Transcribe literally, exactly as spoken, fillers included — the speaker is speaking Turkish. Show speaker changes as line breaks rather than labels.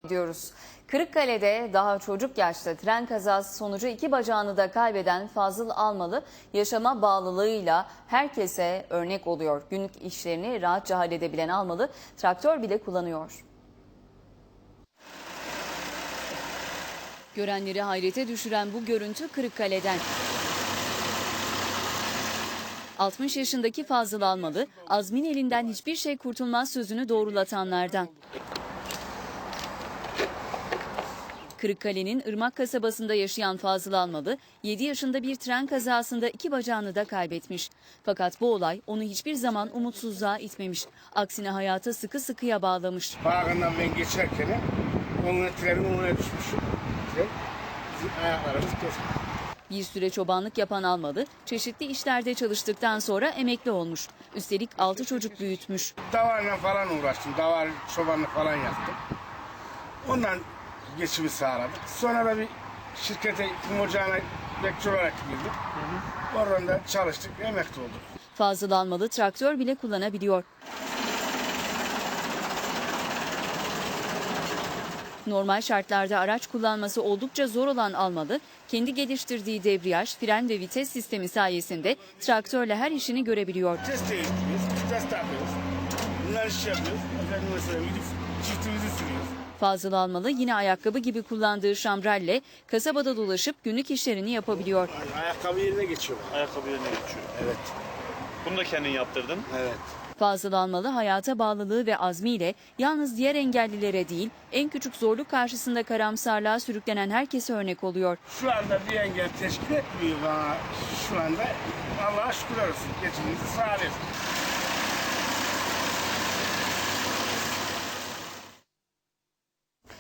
diyoruz. Kırıkkale'de daha çocuk yaşta tren kazası sonucu iki bacağını da kaybeden Fazıl Almalı yaşama bağlılığıyla herkese örnek oluyor. Günlük işlerini rahatça halledebilen Almalı traktör bile kullanıyor. Görenleri hayrete düşüren bu görüntü Kırıkkale'den. altmış yaşındaki Fazıl Almalı, Azmin elinden hiçbir şey kurtulmaz sözünü doğrulatanlardan. Kırıkkale'nin Irmak kasabasında yaşayan Fazıl Almalı, yedi yaşında bir tren kazasında iki bacağını da kaybetmiş. Fakat bu olay onu hiçbir zaman umutsuzluğa itmemiş. Aksine hayata sıkı sıkıya bağlamış.
Bağından ben geçerken onun trenin önüne düşmüşüm. Bizim ayaklarımız kesmiş.
Bir süre çobanlık yapan Almalı, çeşitli işlerde çalıştıktan sonra emekli olmuş. Üstelik altı çocuk büyütmüş.
Davarla falan uğraştım. Davar, çobanlık falan yaptım. Ondan geçimi sağladık. Sonra da bir şirkete, kum ocağına bekçi olarak girdik. Oradan da çalıştık, emekli olduk.
Fazıl Almalı traktör bile kullanabiliyor. Normal şartlarda araç kullanması oldukça zor olan Almalı, kendi geliştirdiği debriyaj, fren ve vites sistemi sayesinde traktörle her işini görebiliyor.
Test değiştiriyoruz, test yapıyoruz. Bunlar iş yapıyoruz. Efendim mesela gidip çiftimizi sürüyoruz.
Fazıl Almalı yine ayakkabı gibi kullandığı şambralle kasabada dolaşıp günlük işlerini yapabiliyor.
Ayakkabı yerine geçiyor.
Ayakkabı yerine geçiyor.
Evet.
Bunu da kendin yaptırdın.
Evet.
Fazıl Almalı hayata bağlılığı ve azmiyle yalnız diğer engellilere değil, en küçük zorluk karşısında karamsarlığa sürüklenen herkese örnek oluyor.
Şu anda bir engel teşkil etmiyor bana şu anda. Allah'a şükürler olsun. Geçimimizi sağlıyoruz.